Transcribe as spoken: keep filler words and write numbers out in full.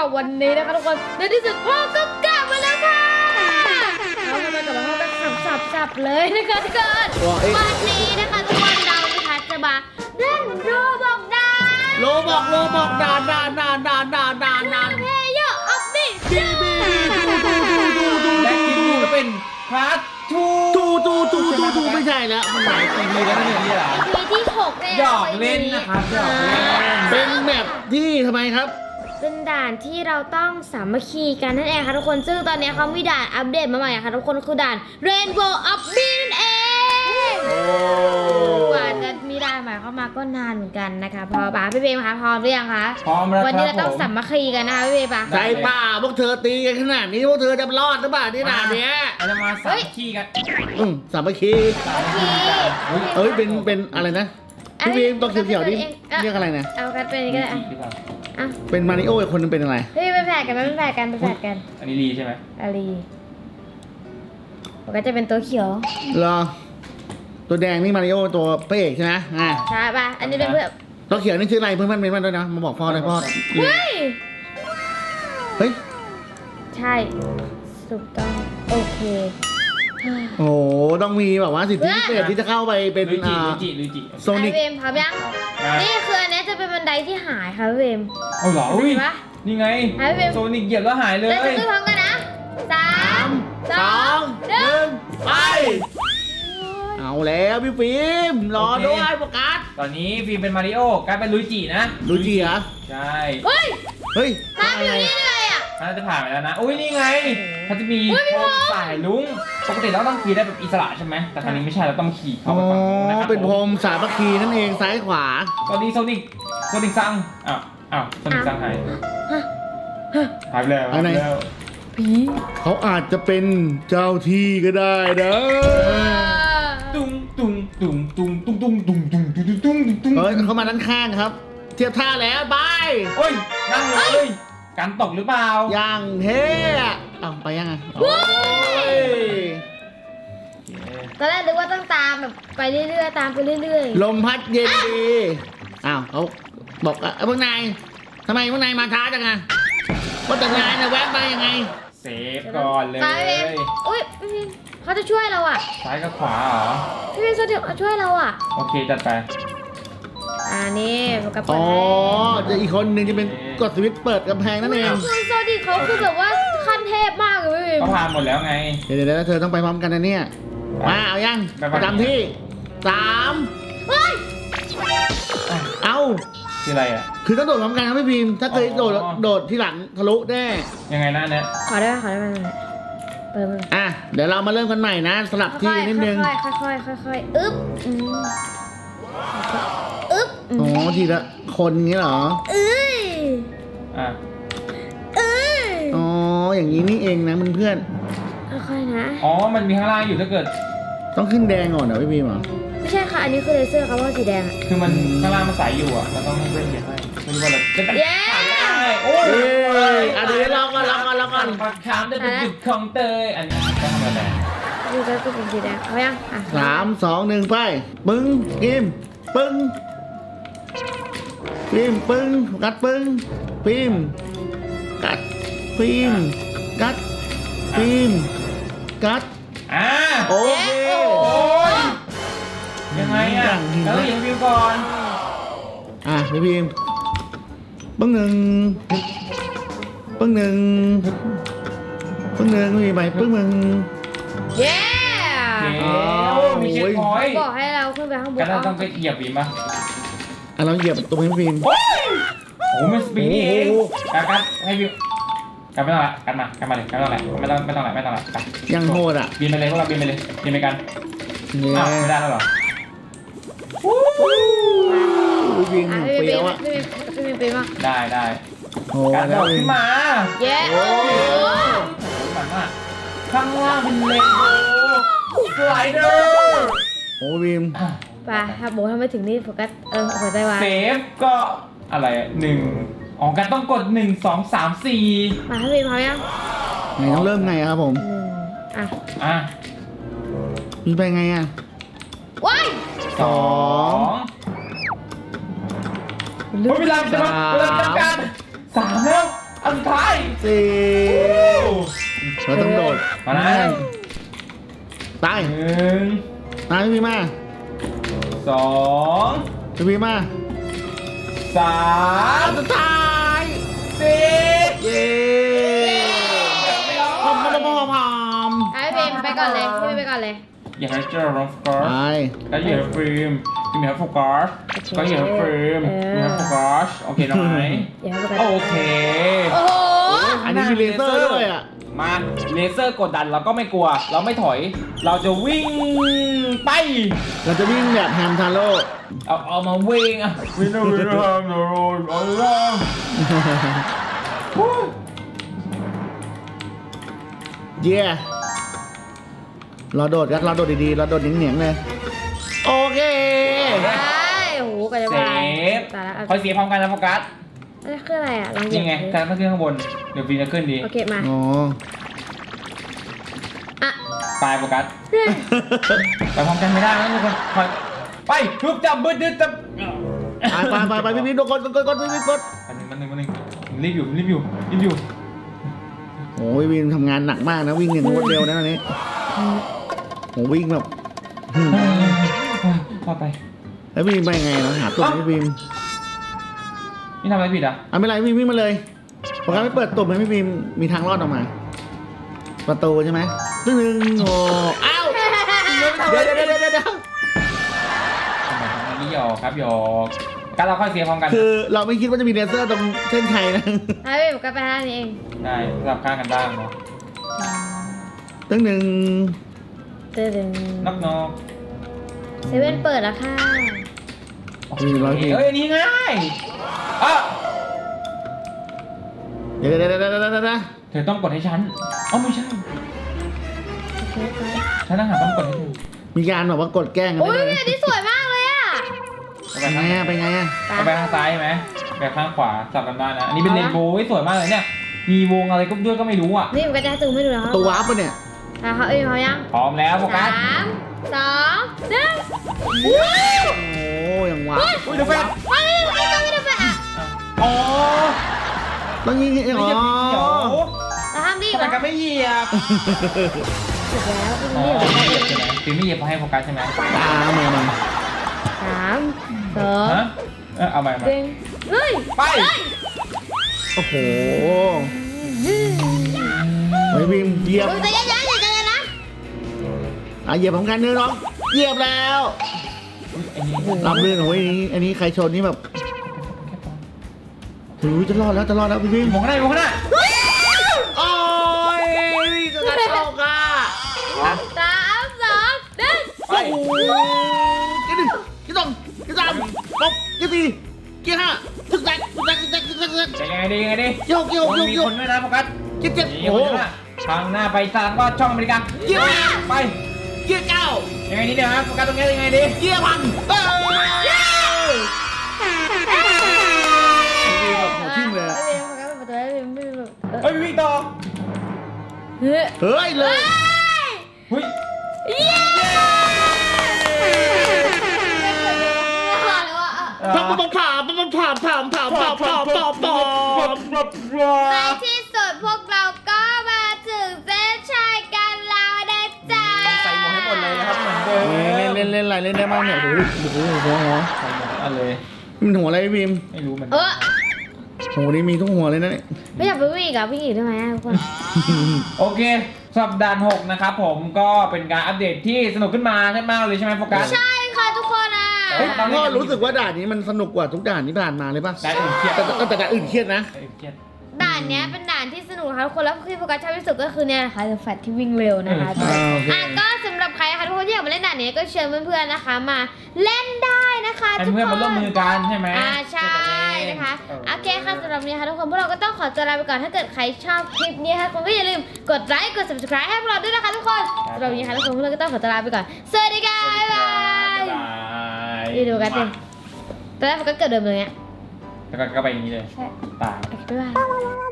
วันนี้นะคะทุกคนในที่สุดพ่อก็กลับมาแล้วค่ะเอาทำไมกลับมาพ่อก็สับสับสับเลยนะคะทุกคนวันนี้นะคะทุกคนเรานะคะจะมาเล่นโรบอกดานโรบอกโรบอกดานดานดานดานดานดานดานเพย์เยอร์ออฟดิบีบีดูดูดูดูดูและทีนี้ก็เป็นพาร์ททูดูดูดูดูดูไม่ใช่แล้วมันหลายปีแล้วเนี่ยนี่แหละพีที่หกเนี่ยหยอกเล่นนะครับหยอกเล่นเป็นแบบที่ทำไมครับเป็นด่านที่เราต้องสามัคคีกันนั่นเองค่ะทุกคนซึ่งตอนนี้เขามีด่านอัปเดตมาใหม่ค่ะทุกคนคือด่าน Rainbow of Bean นั่นเองกว่าจะมีด่านใหม่เข้ามาก็นานเหมือนกันนะคะพอป่ะพี่เบมคะพร้อมหรือยังคะพร้อมแล้ววันนี้เราคต้รัอบ งผมสามัคคีกันนะคะพี่เบมป่ะใจป่าพวกเธอตีกันขนาดนี้พวกเธอจะรอดหรือเปล่าที่ด่านเนี้ยเราจะมาสามัคคีกันอืมสามัคคีสามัคคีเอ้ยเป็นเป็นอะไรนะพี่บีมตัวเขียวๆนี่เรียกอะไรนะเอากันเป็นก็ได้อ่ะอ่ะเป็นมาริโออีกคนนึงเป็นอะไรพี่ไปแฝดกันไหมไปแฝดกันไปแฝดกันอันนี้ลีใช่ไหมอาลีมันก็จะเป็นตัวเขียวเหรอตัวแดงนี่มาริโอตัวพระเอกใช่ไหมอ่าใช่ป่ะอันนี้เป็นเพื่อนตัวเขียวนี่ชื่ออะไรเพื่อนๆเมนมาด้วยนะมาบอกพ่อเลยพ่อเฮ้ยเฮ้ยใช่ถูกต้องโอเคโอ้โหต้องมีแบบว่าสิทธิพิเศษที่จะเข้าไปเป็นลุยจิอ่าลุยจิลุยจิโซนิกไอเวมพร้อมยังมานี่คืออันนี้จะเป็นบันไดที่หายค่ะพี่เวมเอาเหรออุ้ยเห็นปะนี่ไงหายไปโซนิกเหยียบแล้วหายเลยแล้วจะขึ้นพร้อมกันนะสามสสออง งหนึ่หนึ่งงไป เอาแล้วพี่ฟิล์มรอด้วยโฟกัสตอนนี้ฟิล์มเป็นมาริโอกลายเป็นลุยจินะลุยจิเหรอใช่เฮ้ยเฮ้ยทำอยู่นี่เลยอ่ะน่าจะผ่านไปแล้วนะอุ้ยนี่ไงเขาจะมีอุ๊ยพี่โคพมงษ์สายลุงปกติเราต้องขี่ได้แบบอิสระใช่ไหมแต่ครั้งนี้ไม่ใช่เราต้องขี่อ๋เข้าอไปฝั่งนู้นนะครับเป็นพรมสามัคคีนั่นเองซ้ายขวาสวัสดีโซนิกโซนิกซังอ้าวอ้าวโซนิกซังหายหายไปแล้วหายไปแล้วผีเขาอาจจะเป็นเจ้าที่ก็ได้นะตุ้งตุ้งตุ้งตุ้งตุ้งตุ้งตุ้งตุ้งตุ้งตุ้งตุ้งตุ้งเฮ้ยเขามาด้านข้างครับ เทียบท่าแล้วบายโอ้ยนั่งเลยการตกหรือเปล่าอย่างเท่อะเอาไปยังไงโอ้ยตอนแรกนึกว่าต้องตามแบบไปเรื่อยๆตามไปเรื่อยลมพัดเย็นดีอ้าวเขาบอกอ่ะพวกนายทำไมพวกนายมาช้าจังอะว่าแต่นายนะแวะมายังไงเซฟก่อนเลยไปเวมอุ้ยพี่พิมเขาจะช่วยเราอ่ะซ้ายกับขวาเหรอพี่พิมเขาจะช่วยเราอ่ะโอเคจัดไปอ่านี่โฟกัสอ๋อจะอีกคนหนึ่งจะเป็นกดสวิตช์เปิดกำแพงนั่นเองคือโซดิเขาคือแบบว่าขั้นเทพมากเลยพี่พิมเขาผ่านหมดแล้วไงเดี๋ยวเดี๋ยวเธอต้องไปพร้อมกันนะเนี่ยมาเอายังไปไปประจำที่สามเฮ้ยเอาคืออะไรอ่ะคือต้องโดดพร้อมกันครับพี่พิมพ์ถ้าเคยโดดอ๋อโดดที่หลังทะลุแน่ยังไงนะเนี่ยขอได้ไหมขอได้ไหมเปิดมืออ่ะเดี๋ยวเรามาเริ่มกันใหม่นะสลับที่นิดนึงค่อยๆค่อยๆค่อยๆอึ๊บอืมอึ๊บอืมอ๋อทีละคนงี้เหรอเอ้ยอ่ะเอ้ยอ๋ออย่างนี้นี่เองนะเพื่อนค่อยๆนะอ๋อมันมีข้างล่างอยู่ถ้าเกิดๆต้องขึ้นแดงก่อนเหรอพี่พิมพ์เหรอไม่ใช่ค่ะอันนี้คือเลเซอร์ครับว่าสีแดงอะคือมันข้างล่างมันใสอยู่อ่ะเราต้องเล่นเหยียบให้ไม่รู้ว่าเราจะเป็นเย้โอ้ยเอ้ยอ่ะเดี๋ยวลองก่อนลองก่อนลองก่อนปากขามจะเป็นจุดของเตยอันนี้ก็ทำอะไรดูก็คือเป็นสีแดงเอายังอ่ะสามสองหนึ่งไปปึ้งพิมพ์ปึ้งพิมพ์ปึ้งกัดปึ้งพิมพ์กัดพิมพ์กัดพิมพ์กัดอ่าโอเคโอ้ยยังไงอ่ะแล้วยังวิวก่อนอ่ะพี่พิมพ์ปึ้งหนึ่งปึ้งหนึ่งปึ้งหนึ่งพี่ไปปึ้งหนึ่งเย้โอเคอ๋อโอ้มีเช็คพอยต์บอกให้เราขึ้นไปข้างบนกันเราต้องไปเหยียบวีมั้ยอ่ะเราเหยียบตรงนี้พี่พิมพ์โอ้ยโอ้มันสปีดนี่เองโอ้โหกันกันให้วิวกันไม่ต้องละกันมากันมาเลยกันไม่ต้องละไม่ต้องไม่ต้องละไม่ต้องละไปยังโหดอ่ะบินไปเลยพวกเราบินไปเลยบินไปกันเนี่ยอ้าวไม่ได้แล้วเหรอพี่พิมพ์อ่ะเปพี่รี้พิยวมอ่ะพี่พิมพี่พิมปีมาได้ได้โอ้การแล้โดวดขึ้นมาเย้โอ้โหมันมากข้างล่างเป็นเลนโบว์สไลเดอร์โอ้พิมพ์ไปถ้าโบทำไม่ถึงนี่โฟกัสเออหัวใจวายเซฟก็อะไรอะหนึ่งอ๋อกันต้องกดหนึ่งสองสามสี่มาพี่พิมพร้อมยังไหนต้องเริ่มไงครับผมหนึ่งอ่ะอ่ะมีไปไงอ่ะว้ายสองเฮ้ยเวลาจะมาเวลาจำกัดสามแล้วอันสุดท้ายสี่เราต้องโดดมานะตายหนึ่งตายพี่พีมาสองพี่พีมาสามสุดท้ายสี่เย้พร้อมพร้อมพร้อมพร้อมไอ้เบมไปก่อนเลยพี่เบมไปก่อนเลยอย่าให้เจอร์โฟกัสไปก็อย่าให้ฟิล์มพี่มีให้โฟกัสก็อย่าให้ฟิล์มมีให้โฟกัสโอเคหน่อยอย่าให้ไปก่อนโอเคโอ้โหอันนี้มีเลเซอร์ด้วยอ่ะมาเลเซอร์กดดันเราก็ไม่กลัว เราไม่ถอย เราจะวิ่งไปเราจะวิ่งแบบแฮมทาโร่เอาเอามาวิ่งอะวิ่งนะวิ่งนะโดนเอาละเย้เราโดดกันเราโดดดีๆเราโดดเหนียงๆเลยโอเคได้โอ้โหกว่าจะเซไปฟตายแล้วคอยเสียพร้อมกันนะโฟกัสอันนี้คืออะไรอ่ะลองเหยียนี่บไงการต้องขึ้นข้างบนเดี๋ยวฟิล์มจะขึ้นดีโอเคมาอ๋ออ่ะตายโฟกัสไปพร้อมกันไม่ได้นะทุกคนคอยไปทุบจับบึ้ดดึ๊ดจับไปไปไปไปพี่พีกดกดกดกดพี่พีกดอันนึงมันหนึ่งมันหนึ่งผมรีบอยู่ผมรีบอยู่รีบอยู่โอ้ยวิ่งทำงานหนักมากนะวิ่งอย่างรวดเร็วนะอันนี้โอ้วิ่งแบบหืมพอไปแล้ววิ่งไปไงเราหาตุ่มพี่พิมนี่ทำอะไรผิดอ่ะอ่ะไม่เป็นไรวิ่งวิ่งมาเลยโปรแกรมไม่เปิดตุ่มให้พี่พิมมีทางรอดออกมา ประตูใช่ไหมตึ้งหนึ่งโอ้อ้าวเดี๋ยวเดี๋ยวเดี๋ยวเดี๋ยวเดี๋ยวทำไมทำอย่างนี้หยอกครับหยอกการเราค่อยเสียพร้อมกันคือเราไม่คิดว่าจะมีเลเซอร์ตรงเส้นชัยนะไอ้เบมก็ไปทางนี้เองได้สลับข้างกันได้เนาะตึ้งหนึ่งเดินนอกนอกเซเว่นเปิดแล้วค่ะมีร้อยพิมเอ้ยอันนี่ง่ายอ่ะเดี๋ยวเดี๋ยวเดี๋ยวเดี๋ยวเดี๋ยวเดี๋ยวเธอต้องกดให้ฉันอ๋อไม่ใช่โอเคไปฉันต้องหาต้องกดให้เธอมีการแบบว่ากดแกล้งกันโอ้ยได้พี่เลยอันนี้สวยมากเลยอ่ะไปไปข้างไงอะไปไงอะไปข้างซ้ายใช่ไหมไปข้างขวาสลับกันได้นะ อันนี้เป็นเรนโบว์สวยมากเลยเนี่ย มีวงอะไรก็ด้วยก็ไม่รู้อ่ะนี่มันก็จะซูมให้ดูนะคปรับระตูวาร์ปปะเนี่ยอ่ะเขาเอ้ยเขายังพร้อมแล้วโฟกัสาสมสองหนึ่งโอ้ยังวาร์ปอุ้ยเดี๋ยวแฟนมาเลยมาเลยมาเลยอ่ะอ๋อต้องยิงไม่อ๋อใช่สีเขียวเราทำดีทำไมวะกันไม่เหยียบถูกแล้วอ๋อนี่ไม่เหยียบใช่ไหมฟิล์มไม่เหยียบเพราะให้โฟกัสใช่ไหมตาเอามามาสามสองฮะเออเอาใหม่มาหนึ่งเฮ้ยไปโอ้โหเฮ้ยพิมเหยียบดูใจเย็นๆใจเย็นๆนะอ่ะเหยียบพร้อมกันเนื้อน้องเหยียบแล้วอันนี้รับเรื่องโอ้ยอันนี้อันนี้ใครชนนี่แบบถือจะรอดแล้วจะรอดแล้วพี่พิมมองข้างหน้ามองข้างหน้าโอ้ยจะกระโดดอ่ะสามสองหนึ่งไปโอ้โหกี่หนึ่งกี่สองกี่สามปุ๊บกี่สี่กี่ห้าถึงแซกถึงแซกถึงแซกถึงแซกถึงแซกจะยังไงดียังไงดีโยกโยกโยกมีโยคกนด้วยนะโฟกัสกี่เจ็ดนี่โอ้คนโหข้างหน้าทางหน้าไปทางก็ช่องอเมริกาเกี่ยวไปเกี่ยวเก้ายังไงดีเนี่ยฮะโฟกัสตรงนี้ยังไงดีเกี่ยวพันเอ้ยหัวทิ่มเลยอะไม่เป็นไรประตูไม่เป็นไรเฮ้ยวิ่งต่อเฮ้ยเฮ้ยเลยเฮ้ยเย้ผ่าผ่าผ่าผ่าผ่าผ่าผ่าผ่าผ่าผ่าผ่าในที่สุดพวกเราก็มาถึงเส้นชัยกันแล้วนะจ๊ะใส่หมวกให้หมดเลยนะครับเหมือนเดิมเล่นเล่นเล่นอะไรเล่นได้บ้างเนี่ยโอ้โหหัวหัวใส่หมวกอันเลยมันหัวอะไรพี่พิมไม่รู้เหมือนเอกันอโหนี่มีทุกหัวเลยนะเนี่ยไม่อยากไปวิ่งอีกอ่ะวิ่งอีกได้ไหมทุกคนโอเคสัปดาห์หกนะครับผมก็เป็นการอัปเดตที่สนุกขึ้นมาใช่ไหมเลยใช่ไหมโฟกัสใช่ค่ะทุกคนอ่ะเฮ้ยก็รู้สึกว่าด่านนี้มันสนุกกว่าทุกด่านที่ผ่านมาเลยป่ะด่านอื่นเครียดแต่แต่แต่ด่านอื่นเครียดนะเอ้ยเครียดด่านเนี้ยเป็นด่านที่สนุกค่ะทุกคนแล้วที่โฟกัสชอบที่สุดก็คือเนี่ยนะคะแฟตที่วิ่งเร็วนะคะเอออ่าโอเคอ่ะก็สำหรับใครนะคะทุกคนที่อยากมาเล่นด่านนี้ก็เชิญเพื่อนๆนะคะ มาเล่นได้นะคะให้ทุกเพื่อนคมาร่วมนมือกันใช่ไหมอ่าใช่นะคะเออโอเคค่ะสำหรับวันนี้ค่ะทุกคนพวกเราก็ต้องขอตัวลาไปก่อนถ้าเกิดใครชอบคลิปนี้ค่ะคุณก็อย่าลืมกดไลค์กด subscribe ให้พวกเราด้วยนะคะทุกคนสำหรับวันนี้ค่ะทุกคนพวกเราก็ต้องขอตัวลาไปก่อนสวัสดีค่ะบ๊ายบายบ๊ายบายนี่ดูกันสิตอนแรกมันก็เกิดเดิมเลยเนี่ยแล้วก็ก็ไปอย่างนี้เลยใช่ตายโอเคบ๊ายบาย